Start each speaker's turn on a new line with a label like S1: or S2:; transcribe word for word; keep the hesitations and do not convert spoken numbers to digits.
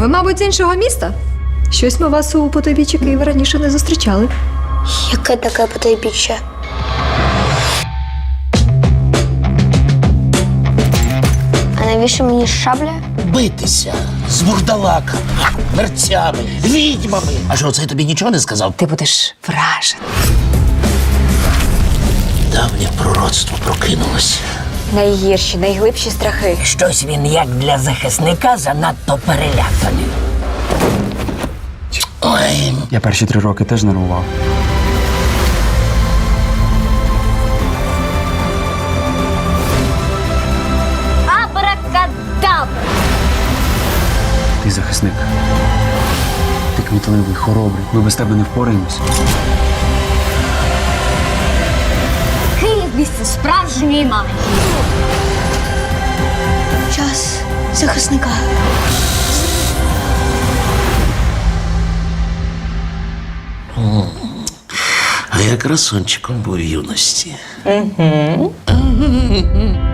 S1: ви, мабуть, з іншого міста? Щось ми вас у потойбіччі Києва раніше не зустрічали.
S2: Яке таке потайбіччя? А навіщо мені шабля?
S3: Битися з вурдалаками, мерцями, відьмами. А що, це тобі нічого не сказав?
S1: Ти будеш вражений.
S3: Давнє пророцтво прокинулося.
S1: Найгірші, найглибші страхи.
S3: Щось він, як для захисника, занадто переляканий. Ой,
S4: Я перші три роки теж нервував.
S2: Абракадабра!
S4: Ти захисник. Ти кмітливий, хоробрий. Ми без тебе не впораємось.
S2: Київ місце справжньої магії. Час захисника.
S3: а я красунчиком був в юності. Угу.